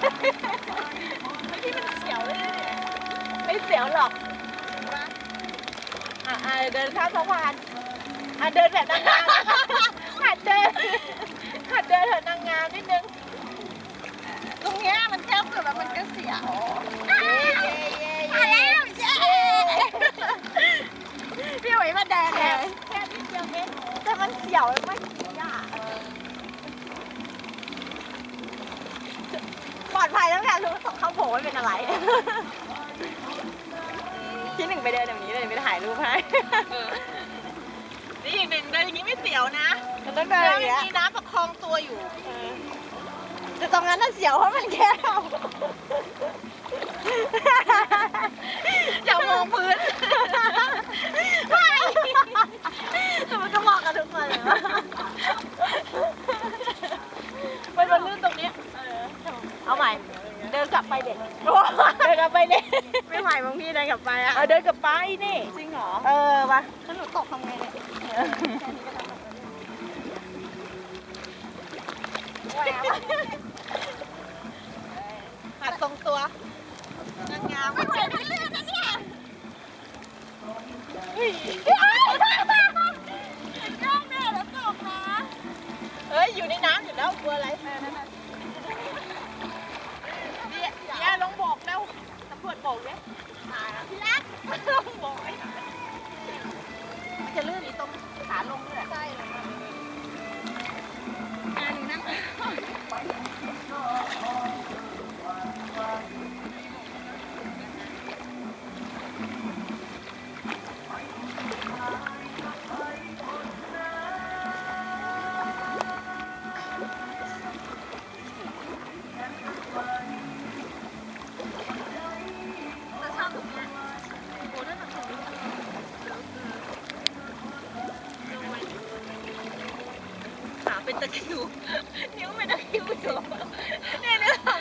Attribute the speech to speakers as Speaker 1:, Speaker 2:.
Speaker 1: ที่มันเสียวเลยไม่เสียวหรอกเดินข้ามสะพานเดินแบบนางงามหัดเดินเถอะนางงามนิดนึงตรงเนี้ยมันแคบสุดแล้วมันก็เสียวมาแล้วพี่หวยมาแดงเลยแค่นิดเดียวเองแต่มันเสียวไม่ยากปลอดภัยแล้วแหละรู้เขาโผล่ไม่เป็นอะไรที่หนึ่งไปเดินแบบนี้เลยไปถ่ายรูปให้นี่อีกหนึ่งเดินอย่างนี้ไม่เสียวนะมันต้องเดินอย่างนี้มีน้ำประคองตัวอยู่แต่ตรงนั้นน่ะเสียวเพราะมันแคบอย่ามองพื้นแต่มันก็เหมาะกับทุกคนเลยมันลื่นตรงนี้เอาใหม่เดินกลับไปเด็กเดินกลับไปเด็กไม่ไหวบางพี่เดินกลับไปอ่ะเดินกลับไปนี่จริงเหรอมาถ้าหนูตกทำไงเนี่ยหัดตรงตัวนางงามไม่ไหวไม่เลื่อนนะเนี่ยก้าวแม่แล้วตกนะเฮ้ยอยู่ในน้ำอยู่แล้วกลัวอะไรเนี่ยลงบอกแล้วตำรวจบอกเนี่ยพี่รักลงบอกมันจะลื่นอีตรงขาลงเลยใช่เลยหนูนั่งเป็นตะคริวนิ้วเป็นตะคริวสูงเนี่ยเนื้อหา